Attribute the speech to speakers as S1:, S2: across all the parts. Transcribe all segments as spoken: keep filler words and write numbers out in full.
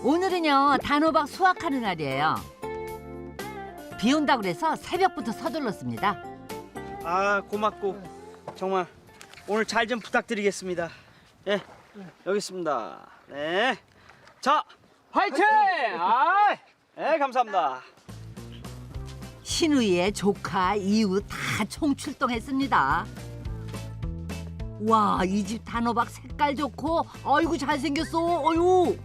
S1: 오늘은요 단호박 수확하는 날이에요. 비 온다고 그래서 새벽부터 서둘렀습니다.
S2: 아 고맙고 정말 오늘 잘 좀 부탁드리겠습니다. 예, 여기 있습니다. 네, 자 화이팅! 아, 네 감사합니다.
S1: 신우이의 조카, 이웃 다 총출동했습니다. 와, 이 집 단호박 색깔 좋고 아이고 잘생겼어. 어유.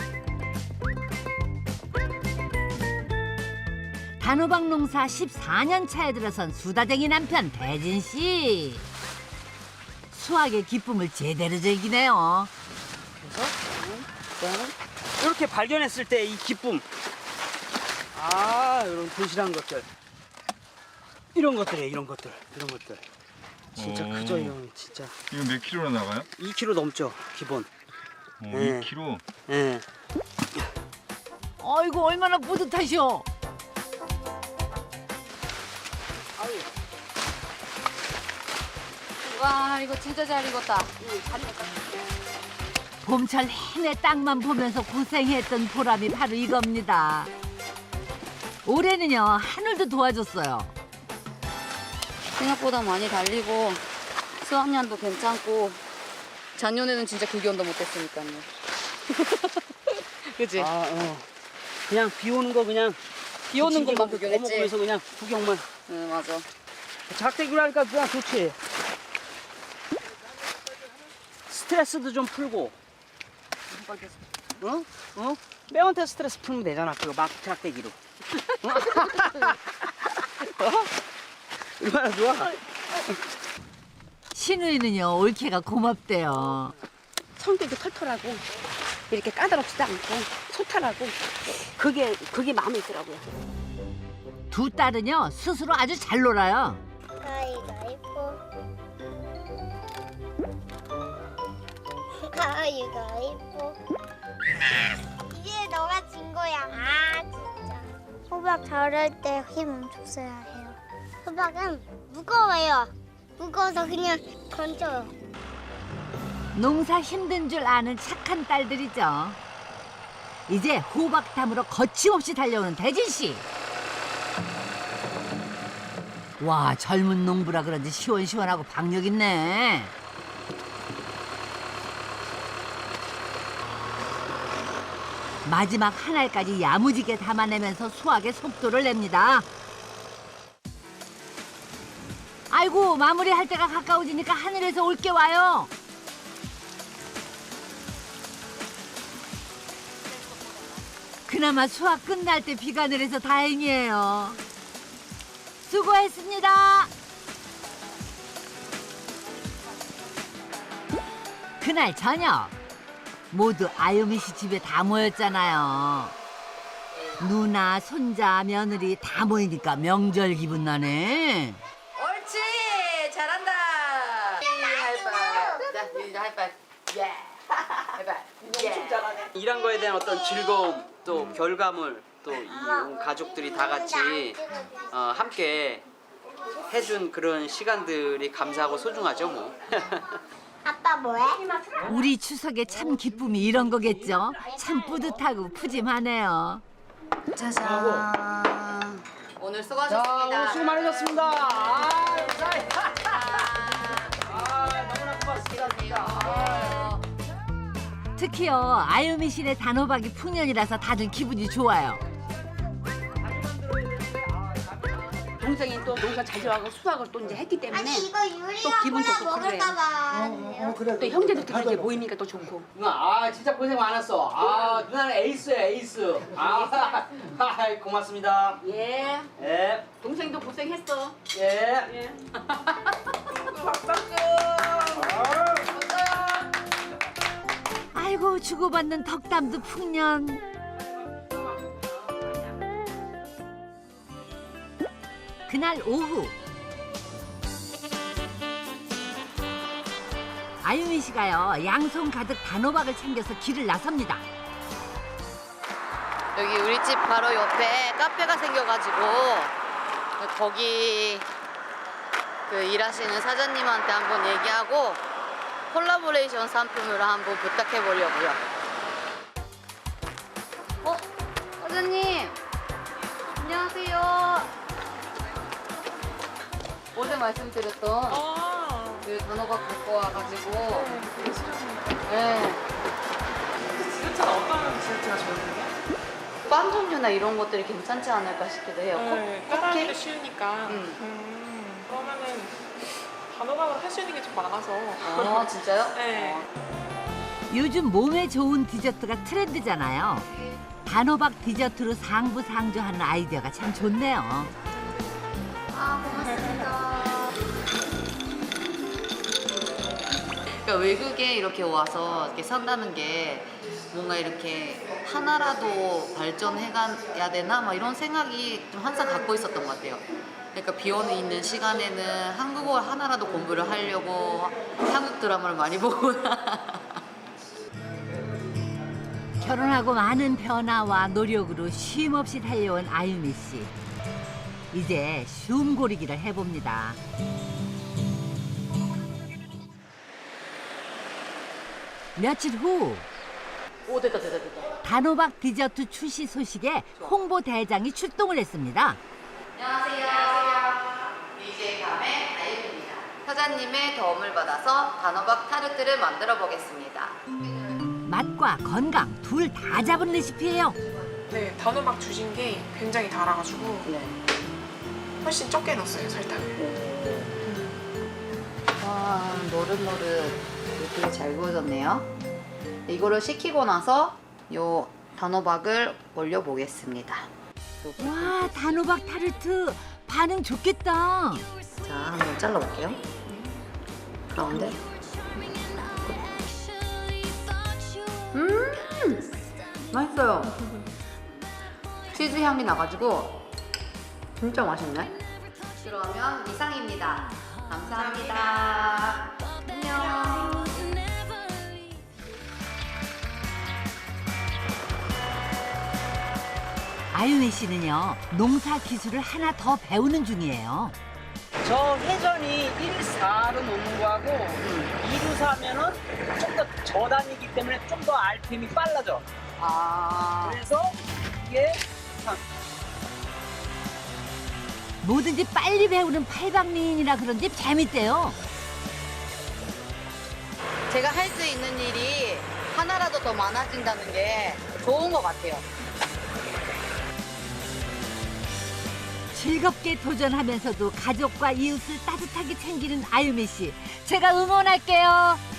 S1: 단호박 농사 십사 년 차에 들어선 수다쟁이 남편 대진 씨. 수확의 기쁨을 제대로 즐기네요.
S2: 이렇게 발견했을 때 이 기쁨. 아, 이런 도시락 것들. 이런 것들이에요, 이런 것들. 이런 것들. 진짜
S3: 오.
S2: 크죠, 이건 진짜.
S3: 이거 몇 킬로나 나가요?
S2: 이 킬로그램 넘죠, 기본.
S3: 오,
S2: 네.
S3: 이 킬로그램.
S2: 예.
S1: 아이고 얼마나 뿌듯하셔.
S4: 와 이거 진짜 잘 익었다.
S1: 봄철 내내 땅만 보면서 고생했던 보람이 바로 이겁니다. 올해는요 하늘도 도와줬어요.
S4: 생각보다 많이 달리고 수확량도 괜찮고 작년에는 진짜 그 기온도 못했으니까요. 그지?
S2: 아, 어. 그냥 비 오는 거 그냥
S4: 비 오는 것만
S2: 거먹
S4: 구경했지.
S2: 으서 그냥 구경만.
S4: 응 맞아.
S2: 작대기로 하니까 그냥 좋지. 스트레스도 좀 풀고. 어? 어? 매한테 스트레스 풀면 되잖아. 그거 막 작대기로. 어? 어? 얼마나 좋아?
S1: 신우이는요 올케가 고맙대요.
S5: 성격이 털털하고 이렇게 까다롭지도 않고 소탈하고 그게 그게 마음에 있더라고요.
S1: 두 딸은요 스스로 아주 잘 놀아요.
S6: 가위가위보 가위가위보 이제 너가 진 거야. 아 진짜 호박 자를 때 힘 엄청 써야 해요. 호박은 무거워요. 무거워서 그냥 던져요.
S1: 농사 힘든 줄 아는 착한 딸들이죠. 이제 호박 담으러 거침없이 달려오는 대진 씨. 와 젊은 농부라 그런지 시원시원하고 박력 있네. 마지막 한 알까지 야무지게 담아내면서 수확의 속도를 냅니다. 아이고 마무리할 때가 가까워지니까 하늘에서 올게 와요. 그나마 수확 끝날 때 비가 내려서 다행이에요. 수고했습니다. 그날 저녁 모두 아유미 씨 집에 다 모였잖아요. 누나, 손자, 며느리 다 모이니까 명절 기분 나네.
S4: 옳지 잘한다. 하이파이브. 자 유진아 하이파이브. 예. 하이파이브. 예.
S2: 일한 거에 대한 어떤 즐거움, 또 결과물, 또 이 가족들이 다 같이 어, 함께 해준 그런 시간들이 감사하고 소중하죠, 뭐.
S6: 아빠 뭐해?
S1: 우리 추석에 참 기쁨이 이런 거겠죠. 참 뿌듯하고 푸짐하네요.
S4: 짜잔. 오늘
S2: 자,
S4: 수고하셨습니다.
S2: 오늘 수고 많으셨습니다. 아, 감사해요. 아, 너무나 고맙습니다. 아.
S1: 특히요 아유미 씨네 단호박이 풍년이라서 다들 기분이 좋아요.
S5: 동생이 또 농사 잘 지어가고 수확을 또 이제 했기 때문에
S6: 아니 이거 유리
S5: 또 기분 좋고
S6: 먹을까봐.
S5: 또 형제들끼리 이제 모이니까 또 좋고.
S2: 누나, 아 진짜 고생 많았어. 아 누나는 에이스야 에이스. 아, 아 고맙습니다.
S5: 예.
S2: 예,
S5: 동생도 고생했어.
S2: 예.
S5: 예.
S1: 아이고 주고받는 덕담도 풍년. 그날 오후 아유미 씨가요 양손 가득 단호박을 챙겨서 길을 나섭니다.
S4: 여기 우리 집 바로 옆에 카페가 생겨가지고 거기 그 일하시는 사장님한테 한번 얘기하고 콜라보레이션 상품으로 한번 부탁해 보려고요. 사장님, 안녕하세요. 어제 말씀드렸던
S7: 아,
S4: 그 단호박 갖고 와가지고.
S7: 되게 싫어하는
S4: 네.
S7: 디저트는 어떤 디저트가 좋은데요?
S4: 빵 종류나 이런 것들이 괜찮지 않을까 싶기도 해요.
S7: 네,
S4: 컵-
S7: 따라하기도
S4: 컵케이크?
S7: 쉬우니까.
S4: 음.
S7: 음, 그러면은 단호박을 할 수 있는 게 좀 많아서.
S4: 아, 진짜요?
S7: 네.
S1: 요즘 몸에 좋은 디저트가 트렌드잖아요. 단호박 디저트로 상부상조하는 아이디어가 참 좋네요.
S4: 아, 고맙습니다. 그러니까 외국에 이렇게 와서 이렇게 산다는 게 뭔가 이렇게 하나라도 발전해가야 되나 막 이런 생각이 좀 항상 갖고 있었던 것 같아요. 그러니까 비어는 있는 시간에는 한국어 하나라도 공부를 하려고 한국 드라마를 많이 보거나.
S1: 결혼하고 많은 변화와 노력으로 쉼 없이 달려온 아유미 씨. 이제 쉼 고르기를 해봅니다. 며칠 후
S4: 오, 됐다, 됐다, 됐다.
S1: 단호박 디저트 출시 소식에 홍보 대장이 출동을 했습니다.
S4: 안녕하세요. 디제이 감의 아유입니다. 사장님의 도움을 받아서 단호박 타르트를 만들어 보겠습니다.
S1: 맛과 건강 둘 다 잡은 레시피예요.
S7: 네, 단호박 주신 게 굉장히 달아가지고
S4: 네.
S7: 훨씬 적게 넣었어요, 설탕을.
S4: 와, 노릇노릇 예쁘게 잘 구워졌네요. 이거를 식히고 나서 요 단호박을 올려 보겠습니다.
S1: 와, 단호박 타르트 반응 좋겠다.
S4: 자, 한번 잘라 볼게요. 가운데. 음! 맛있어요. 치즈 향이 나가지고 진짜 맛있네. 그러면 이상입니다. 감사합니다. 안녕.
S1: 아유미 씨는요, 농사 기술을 하나 더 배우는 중이에요.
S8: 저 회전이 일, 사로 놓는 거하고 이 루 사면은 좀 더 저단이기 때문에 좀 더 알피엠이 빨라져.
S4: 아.
S8: 그래서 이게 참
S1: 뭐든지 빨리 배우는 팔방미인이라 그런지 재밌대요.
S4: 제가 할 수 있는 일이 하나라도 더 많아진다는 게 좋은 것 같아요.
S1: 즐겁게 도전하면서도 가족과 이웃을 따뜻하게 챙기는 아유미 씨. 제가 응원할게요.